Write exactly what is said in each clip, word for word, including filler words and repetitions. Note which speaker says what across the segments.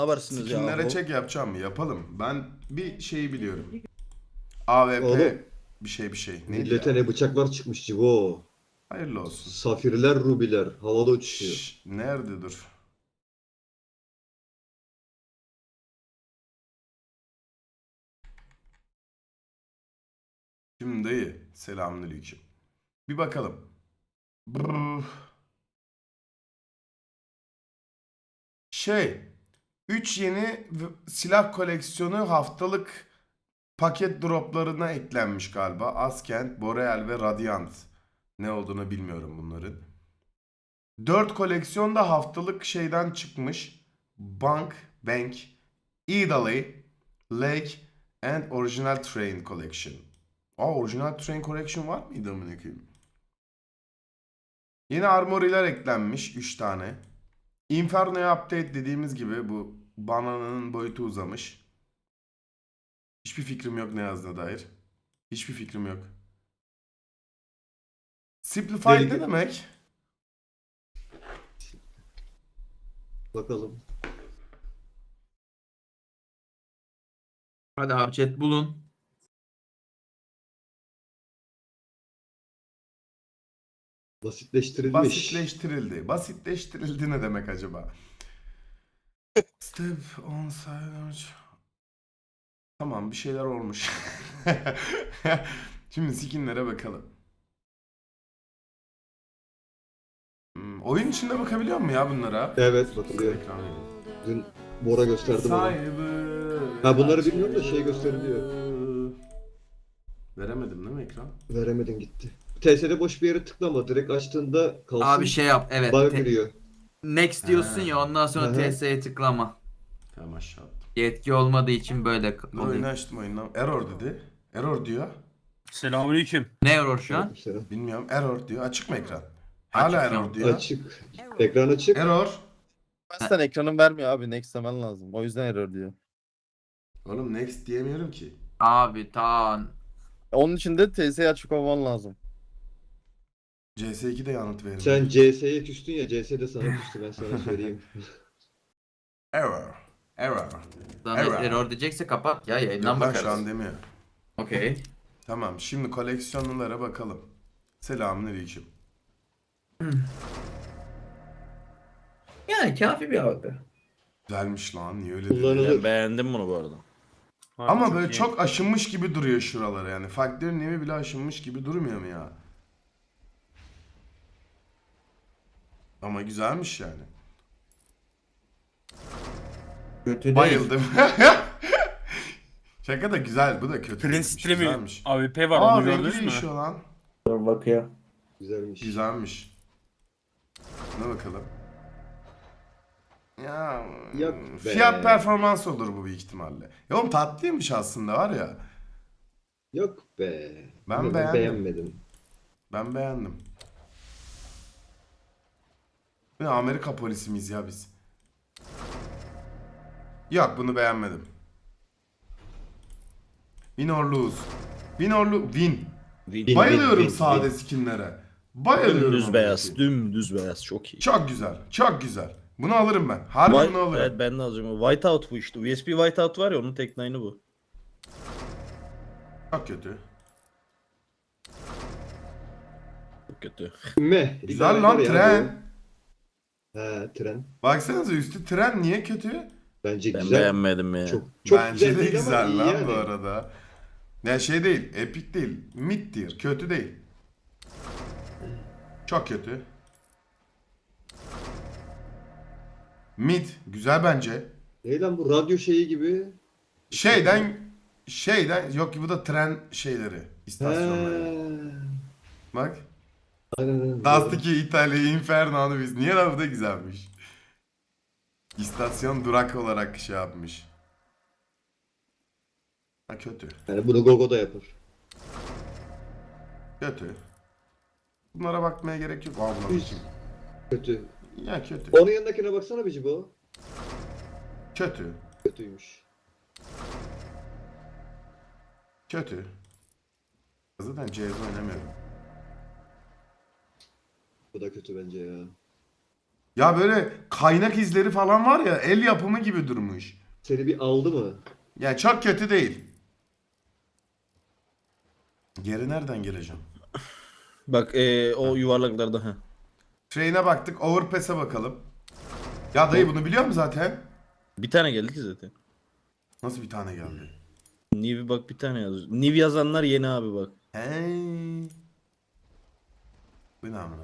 Speaker 1: yaparsınız ya?
Speaker 2: Skinlere
Speaker 1: o?
Speaker 2: çek yapacağım mı? Yapalım. Ben bir şeyi biliyorum. A W P
Speaker 3: Oğlum.
Speaker 2: bir şey bir şey. Neydi
Speaker 3: Millete
Speaker 2: ya?
Speaker 3: ne bıçaklar çıkmış Cibo.
Speaker 2: Hayırlı olsun.
Speaker 3: Safirler, rubiler havada uçuşuyor.
Speaker 2: Şşş, nerede dur? Şimdi dayı. Selamünaleyküm. Bir bakalım. Brrr. Şey. üç yeni v- silah koleksiyonu haftalık paket droplarına eklenmiş galiba. Askent, Boreal ve Radiant. Ne olduğunu bilmiyorum bunların. dört koleksiyon da haftalık şeyden çıkmış. Bank, Bank, Italy, Lake and Original Train Collection. Aa, Original Train Collection var mıydı amına koyayım? Yeni armoriler eklenmiş üç tane. Inferno'ya update dediğimiz gibi bu banananın boyutu uzamış. Hiçbir fikrim yok ne yazdığına dair. Hiçbir fikrim yok. Simplified
Speaker 3: Deli-
Speaker 2: ne demek?
Speaker 3: Bakalım.
Speaker 4: Hadi abi chat bulun.
Speaker 3: Basitleştirilmiş.
Speaker 2: Basitleştirildi. Basitleştirildi ne demek acaba? Step on silence. Tamam bir şeyler olmuş. Şimdi skinlere bakalım. Hmm, oyun içinde bakabiliyor mu ya bunlara?
Speaker 3: Evet bakılıyor.
Speaker 2: Ekran verin.
Speaker 3: Dün Bora gösterdi bana.
Speaker 2: Cyber.
Speaker 3: Ha, bunları bilmiyorum da şey gösteriliyor.
Speaker 2: Veremedim değil mi ekran?
Speaker 3: Veremedin gitti. T S'de boş bir yere tıklama. Direkt açtığında kalsın.
Speaker 4: Abi şey yap evet.
Speaker 3: Bana
Speaker 4: te-
Speaker 3: giriyor.
Speaker 4: Next diyorsun
Speaker 2: Ha.
Speaker 4: ya ondan sonra
Speaker 3: Hı hı.
Speaker 4: T S'ye tıklama.
Speaker 2: Tamam aşağı attım.
Speaker 4: Yetki olmadığı için böyle
Speaker 2: Dur
Speaker 4: oluyor.
Speaker 2: oyunu açtım oyundan. Error dedi. Error diyor.
Speaker 5: Selamünaleyküm.
Speaker 4: Ne error şu an?
Speaker 3: Aleykümselam.
Speaker 2: Bilmiyorum error diyor. Açık mı ekran? Hala
Speaker 4: Açık
Speaker 2: error
Speaker 4: yok.
Speaker 2: diyor.
Speaker 3: Açık. Ekran açık.
Speaker 2: Error.
Speaker 1: Sen ekranın vermiyor abi. Next demen lazım. O yüzden error diyor.
Speaker 2: Oğlum next diyemiyorum ki.
Speaker 4: Abi tamam.
Speaker 1: Onun için de T S'yi açık olman lazım.
Speaker 2: C S iki'de yanıt verin.
Speaker 3: Sen C S'ye küstün ya, C S de sana küstü, ben sana söyleyeyim.
Speaker 2: Error. Error.
Speaker 4: Sana
Speaker 2: Error.
Speaker 4: error diyecekse kapat ya yayından
Speaker 2: Yok lan
Speaker 4: bakarız.
Speaker 2: şu an demiyor.
Speaker 4: Okey.
Speaker 2: Tamam şimdi koleksiyonlulara bakalım. Selamünaleyküm.
Speaker 4: Yani kafi bir abi.
Speaker 2: Güzelmiş lan niye öyle dedin?
Speaker 3: Kullanılır.
Speaker 1: Ben beğendim bunu bu arada.
Speaker 2: Ama
Speaker 5: Harbi
Speaker 2: böyle
Speaker 5: iyi.
Speaker 2: çok aşınmış gibi duruyor şuraları yani. Faktörün evi bile aşınmış gibi durmuyor mu ya? Ama güzelmiş yani.
Speaker 4: Kötü değil.
Speaker 2: Bayıldım. Şaka da güzel bu da kötü.
Speaker 5: Prince
Speaker 2: değilmiş,
Speaker 5: Stream'i
Speaker 2: güzelmiş.
Speaker 5: A W P var
Speaker 2: Aa
Speaker 5: onu
Speaker 2: rengi
Speaker 5: gördünüz mü?
Speaker 2: değişiyor lan.
Speaker 4: Bakıyor.
Speaker 3: Güzelmiş.
Speaker 2: Güzelmiş. Ne bakalım. Ya
Speaker 3: Yok be.
Speaker 2: fiyat performans olur bu büyük ihtimalle. Ya oğlum tatlıymış aslında var ya.
Speaker 3: Yok be.
Speaker 2: Ben
Speaker 3: Bilmiyorum,
Speaker 2: beğendim.
Speaker 3: beğenmedim.
Speaker 2: Ben beğendim. Ne Amerika polisi miyiz ya biz? Yok bunu beğenmedim. Win or lose. Win or lose. Win.
Speaker 3: Win,
Speaker 2: Bayılıyorum
Speaker 3: win, win,
Speaker 2: sade
Speaker 3: win.
Speaker 2: skinlere. Bayılıyorum.
Speaker 1: Dümdüz
Speaker 2: amına
Speaker 1: beyaz.
Speaker 2: koyayım.
Speaker 1: Dümdüz beyaz. Çok iyi.
Speaker 2: Çok güzel. Çok güzel. Bunu alırım ben. Harbi
Speaker 1: White,
Speaker 2: bunu alırım.
Speaker 1: evet ben de alacağım. Whiteout bu işte. U S B Whiteout var ya onun tek line'ı bu.
Speaker 2: Çok kötü.
Speaker 1: Çok kötü.
Speaker 3: Meh.
Speaker 2: Güzel
Speaker 3: İdare
Speaker 2: lan
Speaker 3: var ya
Speaker 2: tren.
Speaker 3: bu. He tren.
Speaker 2: Baksanıza üstü tren niye kötü?
Speaker 3: Bence
Speaker 1: Ben
Speaker 3: güzel.
Speaker 1: beğenmedim ya.
Speaker 3: Çok, çok
Speaker 2: Bence
Speaker 3: güzel
Speaker 2: de
Speaker 3: değil ama
Speaker 2: güzel
Speaker 3: iyi
Speaker 2: lan
Speaker 3: yani.
Speaker 2: bu arada. Ya şey değil, epic değil, mid tier, kötü değil. Çok kötü. Mid, güzel bence.
Speaker 3: Ne lan bu radyo şeyi gibi.
Speaker 2: Şeyden, şeyden, yok ki bu da tren şeyleri,
Speaker 3: He.
Speaker 2: istasyonları. Bak.
Speaker 3: Aynen aynen.
Speaker 2: Dust iki İtalya, Inferno'nu biz. Niye lan bu da güzelmiş. İstasyon durak olarak şey yapmış. Ha kötü.
Speaker 3: Yani bunu Gogo da yapar.
Speaker 2: Kötü. Bunlara bakmaya gerek yok. Aa, bunlar
Speaker 3: Hiç.
Speaker 2: kim?
Speaker 3: Kötü.
Speaker 2: Ya kötü.
Speaker 3: Onun yanındakine baksana bir Cibo.
Speaker 2: Kötü.
Speaker 3: Kötüymüş.
Speaker 2: Kötü. Zaten C S. oynamıyorum.
Speaker 3: Bu da kötü bence ya.
Speaker 2: Ya böyle kaynak izleri falan var ya, el yapımı gibi durmuş.
Speaker 3: Seni bir aldı mı?
Speaker 2: Yani çok kötü değil. Geri nereden geleceğim?
Speaker 1: Bak ee, o yuvarlaklarda ha.
Speaker 2: Train'e baktık. Overpass'e bakalım. Ya dayı bunu biliyor musun zaten?
Speaker 1: Bir tane geldi ki zaten.
Speaker 2: Nasıl bir tane geldi?
Speaker 1: Niv bak bir tane yazıyor. Niv yazanlar yeni abi bak.
Speaker 2: Hey. Bu ne amına?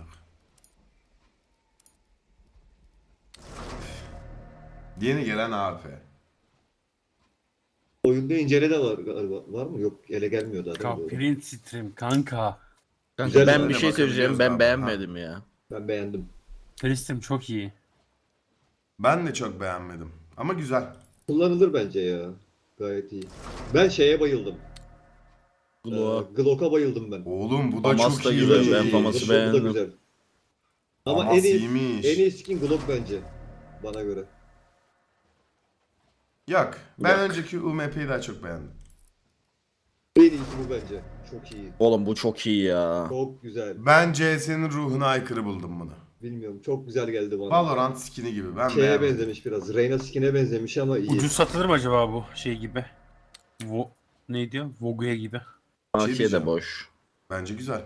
Speaker 2: Yeni gelen A P.
Speaker 3: Oyunda incele de var galiba. Var mı? Yok, ele gelmiyor daha değil mi? Doğru.
Speaker 5: Print stream kanka.
Speaker 1: Kanka
Speaker 3: Güzel
Speaker 1: ben
Speaker 3: yani,
Speaker 1: bir şey söyleyeceğim.
Speaker 2: bakabiliyoruz
Speaker 1: Ben
Speaker 2: abi,
Speaker 1: beğenmedim ya.
Speaker 3: Ben beğendim.
Speaker 5: Print stream çok iyi.
Speaker 2: Ben de çok beğenmedim. Ama güzel.
Speaker 3: Kullanılır bence ya. Gayet iyi. Ben şeye bayıldım. Ee,
Speaker 1: Glow.
Speaker 3: Glock'a bayıldım ben.
Speaker 2: Oğlum bu da
Speaker 1: Famas
Speaker 2: çok
Speaker 1: da
Speaker 2: iyi.
Speaker 1: güzel, ben Famas'ı
Speaker 3: Glock da
Speaker 1: beğendim.
Speaker 3: güzel. Ama
Speaker 2: Famas
Speaker 3: en iyi,
Speaker 2: iyiymiş.
Speaker 3: en iyi skin Glock bence. Bana göre.
Speaker 2: Yok. Ben
Speaker 1: Yok.
Speaker 2: önceki U M P'yi daha çok beğendim.
Speaker 3: En iyisi bu bence. Çok iyi.
Speaker 1: Oğlum bu çok iyi ya.
Speaker 3: Çok güzel.
Speaker 2: Ben C S'nin ruhuna aykırı buldum bunu.
Speaker 3: Bilmiyorum. Çok güzel geldi bana.
Speaker 2: Valorant skin'i gibi. Ben
Speaker 3: Şeye
Speaker 2: beğenmedim.
Speaker 3: benzemiş biraz. Reyna skin'e benzemiş ama iyi.
Speaker 5: Ucuz satılır mı acaba bu şey gibi? Vo ne diyor? Vogue'ya gibi.
Speaker 2: Bir şey
Speaker 1: A K
Speaker 2: diyeceğim.
Speaker 1: de boş.
Speaker 2: Bence güzel.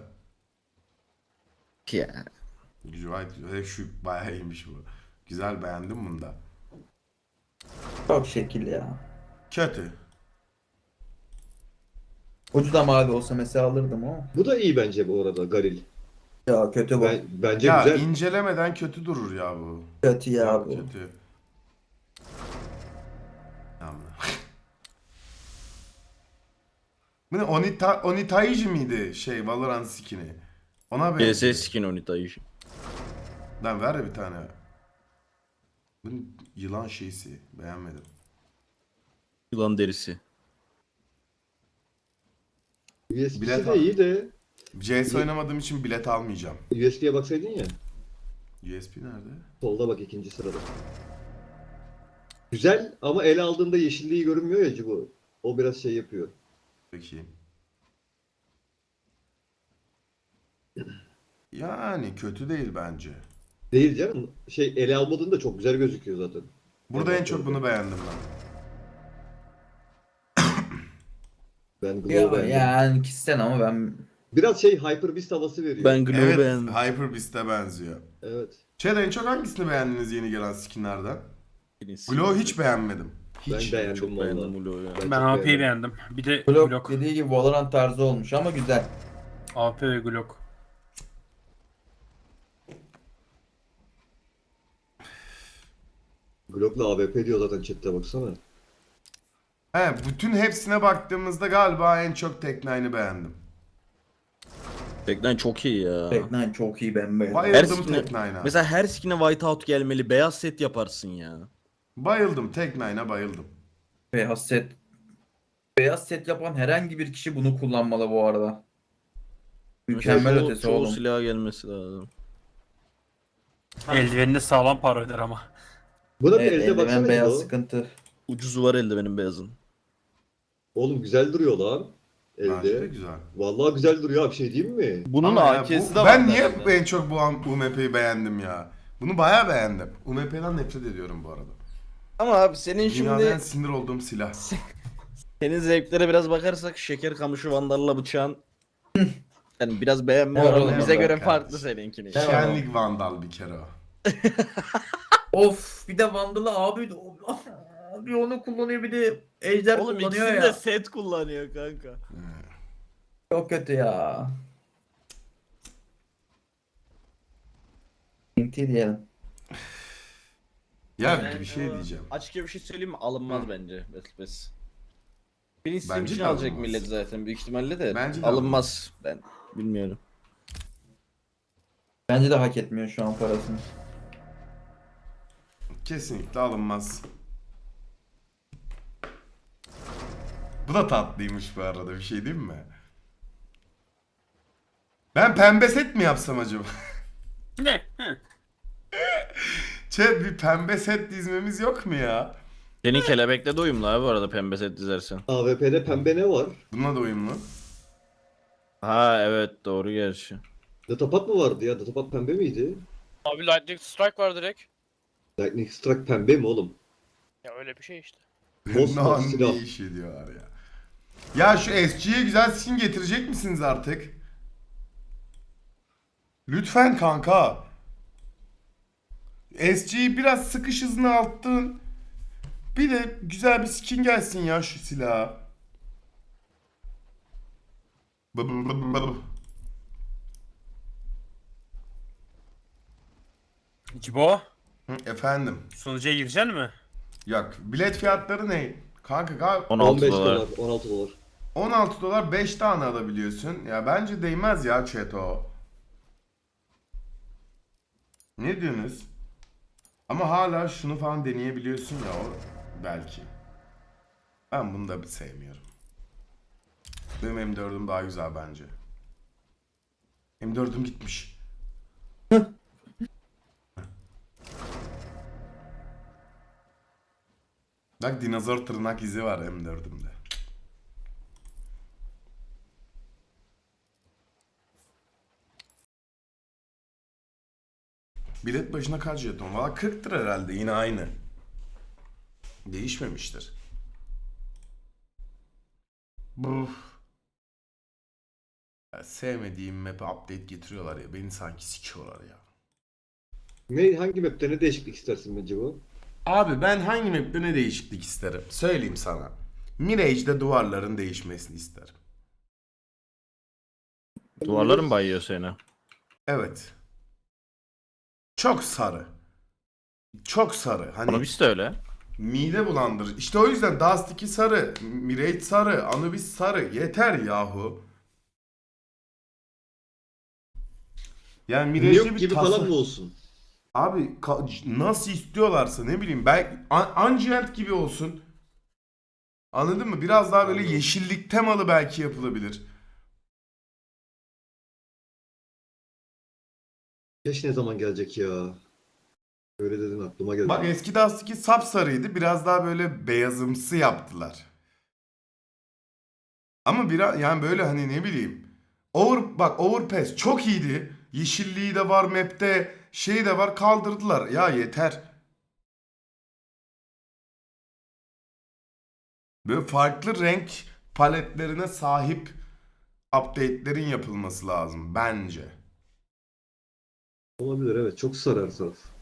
Speaker 1: Ya.
Speaker 2: Güzel. Güzel. Şu bayağı iyiymiş bu. Güzel, beğendim bunu da.
Speaker 4: Çok şekil ya.
Speaker 2: Kötü.
Speaker 4: Ucu da mavi olsa mesela alırdım ama.
Speaker 3: Bu da iyi bence bu arada Garil.
Speaker 4: Ya kötü bu.
Speaker 3: Ben, bence
Speaker 2: Ya
Speaker 3: güzel.
Speaker 2: incelemeden kötü durur ya bu.
Speaker 4: Kötü ya bu.
Speaker 2: Kötü. Tamam. Bu ne? Onita, Onitaiji miydi şey Valorant skin'i? Ona
Speaker 1: C
Speaker 2: benziyor.
Speaker 1: S skin Onita'yı.
Speaker 2: Lan ver ya bir tane. Bu yılan şeysi. Beğenmedim.
Speaker 1: Yılan derisi.
Speaker 3: U S B'si
Speaker 2: Bilet
Speaker 3: de
Speaker 2: al.
Speaker 3: iyi de
Speaker 2: C S oynamadığım için bilet almayacağım.
Speaker 3: U S B'ye baksaydın ya.
Speaker 2: U S B nerede?
Speaker 3: Solda bak, ikinci sırada. Güzel ama ele aldığında yeşilliği görünmüyor ya bu. O biraz şey yapıyor.
Speaker 2: Peki. Yani kötü değil bence.
Speaker 3: Değil canım. Şey, ele almadığında çok güzel gözüküyor zaten.
Speaker 2: Burada
Speaker 3: Evet,
Speaker 2: en çok
Speaker 3: evet.
Speaker 2: bunu beğendim ben.
Speaker 3: Ben Glow
Speaker 4: Ya,
Speaker 3: beğendim.
Speaker 4: yani kişisel ama ben
Speaker 3: Biraz şey Hyper Beast havası veriyor.
Speaker 1: Ben Glow
Speaker 2: Evet,
Speaker 1: beğendim.
Speaker 2: Hyper Beast'e benziyor.
Speaker 3: Evet.
Speaker 2: Chat en çok hangisini beğendiniz yeni gelen skinlerden?
Speaker 1: Birisi.
Speaker 2: Glow'u hiç beğenmedim.
Speaker 3: Ben
Speaker 2: Hiç.
Speaker 3: beğendim
Speaker 1: Çok
Speaker 3: vallahi.
Speaker 1: beğendim Glow'u ya.
Speaker 3: Ben
Speaker 5: Ben
Speaker 3: çok
Speaker 5: A P'yi
Speaker 3: beğendim.
Speaker 5: beğendim. Bir de
Speaker 4: Glock,
Speaker 5: Glock.
Speaker 4: dediği gibi Valorant tarzı olmuş ama güzel.
Speaker 5: A P ve Glock.
Speaker 3: Glock'la A W P diyor zaten chatte, baksana.
Speaker 2: He, bütün hepsine baktığımızda galiba en çok Tek Nine'ı beğendim.
Speaker 1: Teknen çok iyi ya.
Speaker 4: Teknen çok iyi, ben beğendim.
Speaker 2: Bayıldım
Speaker 1: Her skin'e-
Speaker 2: Tek Nine'a.
Speaker 1: Mesela her skin'e whiteout gelmeli. Beyaz set yaparsın ya.
Speaker 2: Bayıldım Tek Nine'a bayıldım.
Speaker 4: Beyaz set. Beyaz set yapan herhangi bir kişi bunu kullanmalı bu arada. Mükemmel
Speaker 1: Mesela çoğu,
Speaker 4: ötesi
Speaker 1: çoğu
Speaker 4: oğlum.
Speaker 1: silaha gelmesi lazım.
Speaker 5: Eldiveninde sağlam para öder ama.
Speaker 3: Buna bir
Speaker 4: Evet,
Speaker 3: elde
Speaker 4: eldiven
Speaker 3: baksana
Speaker 4: beyaz
Speaker 3: Glow.
Speaker 4: sıkıntı.
Speaker 1: Ucuzu var elde benim beyazın.
Speaker 3: Oğlum güzel duruyor lan.
Speaker 2: Bence de
Speaker 3: Elde.
Speaker 2: güzel.
Speaker 3: Vallahi güzel duruyor abi, şey diyeyim mi?
Speaker 1: Bunun
Speaker 2: Ama ya
Speaker 1: A K'si
Speaker 2: bu-
Speaker 1: de var.
Speaker 2: Ben niye
Speaker 1: bende.
Speaker 2: en çok bu U M P'yi beğendim ya? Bunu bayağı beğendim. U M P'den nefret ediyorum bu arada.
Speaker 1: Ama abi senin
Speaker 2: Dünyada
Speaker 1: şimdi
Speaker 2: en sinir olduğum silah.
Speaker 1: senin zevklere biraz bakarsak şeker kamışı vandalla bıçağın yani biraz beğenme
Speaker 4: Evet,
Speaker 1: oranı
Speaker 4: evet,
Speaker 1: bize
Speaker 2: evet
Speaker 1: göre
Speaker 2: kardeşim.
Speaker 1: farklı seninkini.
Speaker 4: Evet.
Speaker 2: Şenlik Vandal bir kere o.
Speaker 4: Of, bir de Vandal'ı abi abi onu kullanıyor, bir de Ejder
Speaker 1: Oğlum
Speaker 4: kullanıyor
Speaker 1: ikisini
Speaker 4: ya.
Speaker 1: de set kullanıyor kanka.
Speaker 4: Çok kötü ya. Inti diyelim.
Speaker 2: Ya
Speaker 1: Ben,
Speaker 2: bir şey
Speaker 1: e,
Speaker 2: diyeceğim.
Speaker 1: Açıkça bir şey söyleyeyim mi? Alınmaz
Speaker 2: Hı.
Speaker 1: bence. Bes bes. Birinci Steam
Speaker 2: Bence
Speaker 1: için
Speaker 2: de
Speaker 1: alacak
Speaker 2: alınmaz.
Speaker 1: millet zaten büyük ihtimalle de.
Speaker 2: Bence de
Speaker 1: alınmaz. Ben bilmiyorum.
Speaker 4: Bence de hak etmiyor şu an parasını.
Speaker 2: Kesinlikle alınmaz. Bu da tatlıymış bu arada, bir şey diyeyim mi? Ben pembe set mi yapsam acaba?
Speaker 5: Ne? Hı.
Speaker 2: Chat, bir pembe set dizmemiz yok mu ya?
Speaker 1: Senin kelebekle de uyumlu abi bu arada pembe set dizersen.
Speaker 3: A W P'de pembe ne var?
Speaker 2: Bununla da uyumlu.
Speaker 1: Ha evet doğru gerçi.
Speaker 3: Datapat mı vardı ya? Datapat pembe miydi?
Speaker 6: Abi Lightning Strike var direkt.
Speaker 3: Lightning Strike pembe mi oğlum?
Speaker 6: Ya öyle bir şey işte.
Speaker 3: Mosmor
Speaker 2: Lan
Speaker 3: silah.
Speaker 2: ne iş ediyorlar ya. Ya şu S G'ye güzel skin getirecek misiniz artık? Lütfen kanka. S G'yi biraz sıkış hızını arttın. Bir de güzel bir skin gelsin ya şu silaha. Bı bı bı bı bı.
Speaker 5: Cibo,
Speaker 2: Hı, efendim.
Speaker 5: sunucuya gireceksin mi?
Speaker 2: Yok. Bilet fiyatları ne? Kanka galiba
Speaker 1: on altı
Speaker 3: on beş
Speaker 1: dolar.
Speaker 3: dolar, on altı dolar.
Speaker 2: on altı dolar beş tane alabiliyorsun. Ya bence değmez ya chat o. Ne diyorsunuz? Ama hala şunu falan deneyebiliyorsun ya o belki. Ben bunu da bir sevmiyorum. Benim M dördüm daha güzel bence. M dördüm gitmiş. Bak dinozor tırnak izi var M dördümde. Bilet başına kaç jeton? Valla kırktır herhalde yine aynı. Değişmemiştir. Buf. Ya sevmediğim map'e update getiriyorlar ya. Beni sanki sikiyorlar ya.
Speaker 3: Ne, hangi map'te ne değişiklik istersin bence bu?
Speaker 2: Abi ben hangi map'te ne değişiklik isterim? Söyleyeyim sana. Mirage'de duvarların değişmesini isterim.
Speaker 1: Duvarların bayıyor seni.
Speaker 2: Evet. Çok sarı. Çok sarı. Hani
Speaker 1: Anubis de öyle.
Speaker 2: mide bulandırıcı. İşte o yüzden Dust iki sarı, Mirage sarı, Anubis sarı. Yeter yahu. Yani Mirage'de
Speaker 3: Yok
Speaker 2: bir
Speaker 3: gibi
Speaker 2: tasa...
Speaker 3: falan mı olsun?
Speaker 2: Abi ka- nasıl istiyorlarsa ne bileyim ben An- Ungiant gibi olsun. Anladın mı? Biraz daha böyle
Speaker 3: Anladım.
Speaker 2: yeşillik temalı belki yapılabilir.
Speaker 3: Keş ne zaman gelecek ya? Öyle dedin aklıma geldi.
Speaker 2: Bak eski Dust iki sapsarıydı. Biraz daha böyle beyazımsı yaptılar. Ama biraz yani böyle hani ne bileyim. Over, bak Overpass çok iyiydi. Yeşilliği de var map'te. Şey de var kaldırdılar. Ya yeter. Böyle farklı renk paletlerine sahip update'lerin yapılması lazım bence.
Speaker 3: Olabilir evet. Çok sarar taraf.